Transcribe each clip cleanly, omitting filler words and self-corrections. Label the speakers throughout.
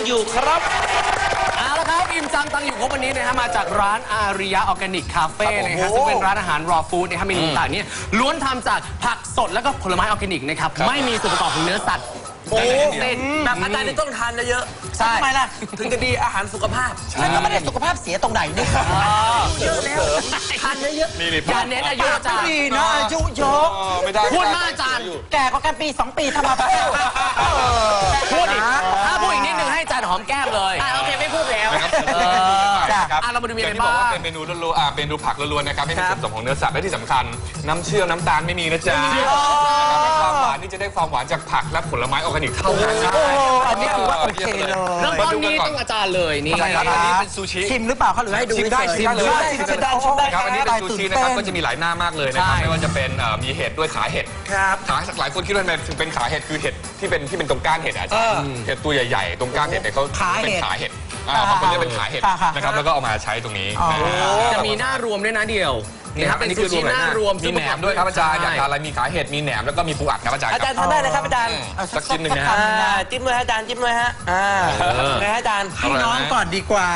Speaker 1: อยู่ครับ
Speaker 2: เอาละครับอิ่มจังตังอยู่ครบวันนี้นะฮะมาจากร้านอาริยะออร์แกนิกคาเฟ่นะฮะซึ่งเป็นร้านอาหารรอฟู้ดนะครับเมนูต่างๆเนี่ยล้วนทำจากผักสดแล้วก็ผลไม้ออร์แกนิกนะครับไม่มีส่วนประกอบของเนื้อสัตว์
Speaker 1: โอ้เป็นแบบอาจารย์ต้องทานเยอะๆใช่ทำไมล่ะถึงจะดีอาหารสุขภาพแล้วก็ไม่ได้สุขภาพเสียตรงไหนนี่เยอะแล้วทานเยอะ
Speaker 2: ๆการเน้นอายุอาจารย์
Speaker 1: ดีนะอายุเยอะ
Speaker 2: พูดมากอาจารย์
Speaker 1: แก่กว่ากันปี2 ปีทำมา
Speaker 2: พูดอีกถ้าพูดอีกนิดนึงให้อาจารย์หอมแก้มเลยโอเคไม่พูดแล้วเรามาดูมีอะไรบ้าง
Speaker 3: เป็นเมนูล้วนๆเมนูผักล้วนๆนะครับไม่มีส่วนผสมของเนื้อสัตว์และที่สำคัญน้ำเชื่อมน้ำตาลไม่มีนะจ๊ะความหวานนี่จะได้ความหวานจากผักและผลไม้ออร์แกนิกเท่านั้น
Speaker 1: อันนี้ถือว่าโอเคเลย
Speaker 2: เริ่มต้นนี้ต้องอาจารย์เลยนี่
Speaker 3: อันนี้เป็นซูชิ
Speaker 1: ชิมหรือเปล่าเขาหรือให้ดู
Speaker 3: ชิมได้ชิมเลยครับอันนี้เป็นซูชินะครับก็จะมีหลายหน้ามากเลยนะครับไม่ว่าจะเป็นมีเห็ดด้วยขาเห็ดขาหลายคนคิดว่าถึงเป็นขาเห็ดคือเห็ดที่เป็นตรงก้านเห็ดอาจารย์เห็ดตัวใหญ่ๆตรงก้านเห็ดเนี่ยเขาเป็นขาเห็ดบางคนเรียกเป็นขาเห็ดนะครับแล้วก็เอามาใช้ตรงนี้
Speaker 2: จะมีหน้ารวมด้วยนะเดียวนี่ครับเป็นซูชิหน้ารวม
Speaker 3: มีแหนมด้วยครับอาจารย์อยากทานอะไรมีขาเห็ดมีแหนมแล้วก็มีปูอัดครับอาจารย์
Speaker 1: อาจารย์ทานได้เลยครับอาจารย์
Speaker 3: สักชิ้นหนึ่งนะฮะ
Speaker 1: จิ้มเลยอาจารย์จิ้มเลยฮะนะอาจารย์ให้น้องก่อนดีกว่า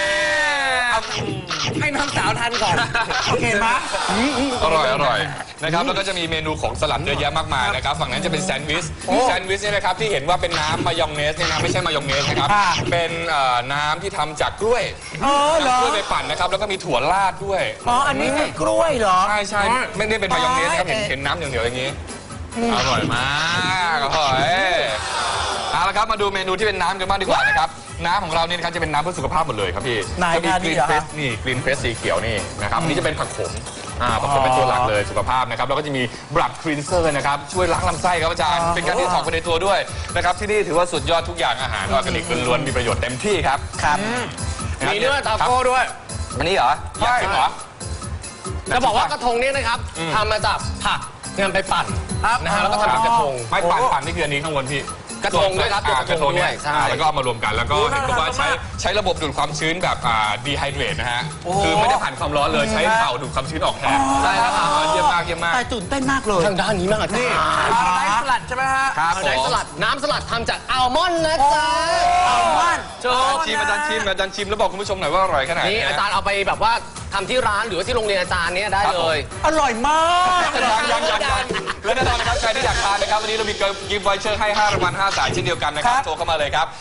Speaker 1: ให้น้องสาวทานก่อนโอเคไหม
Speaker 3: อร่อยนะครับแล้วก็จะมีเมนูของสลัดเยอะแยะมากมายนะครับฝั่งนั้นจะเป็นแซนด์วิชเนี่ยนะครับที่เห็นว่าเป็นน้ำมายองเนสเนี่ยนะไม่ใช่มายองเนสนะครับเป็นน้ำที่ทำจากกล้วยกล้วยไปปั่นนะครับแล้วก็มีถั่วราดด้วย
Speaker 1: อันนี้คือกล้วยเหรอ
Speaker 3: ใช่ไม่ได้เป็นมายองเนสนะครับเห็นน้ำเหนียวๆอย่างนี้อร่อยมากอร่อยเอาละครับมาดูเมนูที่เป็นน้ำกันบ้างดีกว่านะครับน้ำของเราเนี่ยนะครับจะเป็นน้ำเพื่อสุขภาพหมดเลยครับพี่จะมีกรีนเฟสนี่กรีนเฟสสีเขียวนี่นะครับอันนี้จะเป็นผักขมผักขมเป็นตัวหลักเลยสุขภาพนะครับแล้วก็จะมีบลัดคลีนเซอร์นะครับช่วยล้างลำไส้ครับอาจารย์เป็นการที่ถอกไปในตัวด้วยนะครับที่นี่ถือว่าสุดยอดทุกอย่างอาหารออร์แกนิกล้วนๆมีประโยชน์เต็มที่ครับ
Speaker 2: มีเนื้อทาโก้ด้วย
Speaker 3: อันนี้เหรอใช่เหรอ
Speaker 2: จะบอกว่ากระทงนี้นะครับทำมาจากผักนำไปปั่นนะฮะแล้วก็ทำเป็นกระทง
Speaker 3: ไม่ปั่นนี่คืออันนี้ข้างบนพี่
Speaker 2: กระทงด้วยครับ
Speaker 3: กระทงด้วยแล้วก็เอามารวมกันแล้วก็เห็นว่าใช้ระบบดูดความชื้นแบบดีไฮเดรตนะฮะคือไม่ได้ผ่านความร้อนเลยใช้เป่าดูดความชื้นออกแทนใช่แล้วเยี่ยมมาก
Speaker 1: แต่ตื่นเต้นมากเลย
Speaker 2: ทางด้านนี้มากนี่
Speaker 1: ไดสลัดใช่ไหมฮะ
Speaker 2: ไดสลัดน้ำสลัดทำจากอัลมอนด์นะจ๊ะ
Speaker 1: อัลมอนด์
Speaker 3: อาจารย์ชิมแล้วบอกคุณผู้ชมหน่อยว่าอร่อยขนาดไหน
Speaker 2: นี่อาจารย์เอาไปแบบว่าทำที่ร้านหรือว่าที่โรงเรียนอาจารย์เนี่ยได้เลย
Speaker 1: อร่อยมาก
Speaker 3: ยังและแน่นอนนะครับใครที่อยากทานนะครับวันนี้เรามีกิฟต์ไวเชอร์ให้5 รางวัล5 สายเช่นเดียวกันนะครับโทรเข้ามาเลยครับ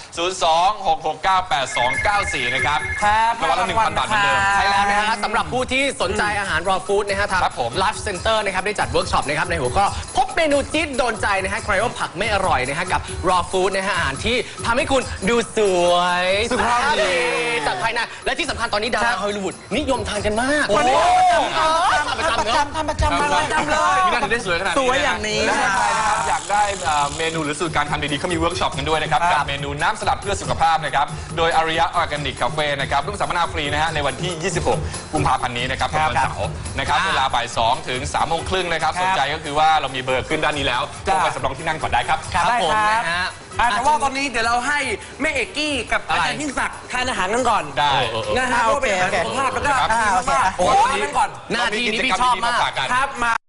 Speaker 3: 026698294นะครับรางวัลละ 1,000 บาทเหมือนเดิม
Speaker 2: ใช่แล้วนะฮะสำหรับผู้ที่สนใจอาหารรอฟู้ดนะฮะทางLife Centerนะครับได้จัดเวิร์กช็อปนะครับในหัวข้อพบเมนูจี๊ดโดนใจนะฮะใครว่าผักไม่อร่อยนะฮะกับรอฟู้ดนะฮะอาหารที่ทำให้คุณดูสวย
Speaker 1: สุขภาพดี
Speaker 2: จากภายในและที่สำคัญตอนนี้ดาราฮอลลีวูดนิยมทานกันมาก
Speaker 1: ทำประจำเลย
Speaker 3: มีน่าจะได้สวยขนาดนี้
Speaker 1: สวยอย่างนี้
Speaker 3: นะครับอยากได้เมนูหรือสูตรการทำดีๆเขามีเวิร์กช็อปกันด้วยนะครับกับเมนูน้ำสลัดเพื่อสุขภาพนะครับโดยอาริยะออร์แกนิกคาเฟ่นะครับร่วมสัมมนาฟรีนะฮะในวันที่26 กุมภาพันธ์นี้นะครับวันเสาร์นะครับเวลาบ่าย 2 ถึง 3 โมงครึ่งนะครับสนใจก็คือว่าเรามีเบอร์ขึ้นด้านนี้แล้วโทรไปสำรองที่นั่งก่อนได้ครับ
Speaker 1: ได้ครับแต่ว่าตอนนี้เดี๋ยวเราให้แม่เอกกี้กับอาจารย์ยิ่งศักดิ์ทานอาหารกันก่อน
Speaker 3: ได้
Speaker 1: นะฮะเพื่อเป็นอาหารสุขภาพแล้วก็
Speaker 2: หน้าที่นี้พี่ชอบมาก
Speaker 1: ครับมา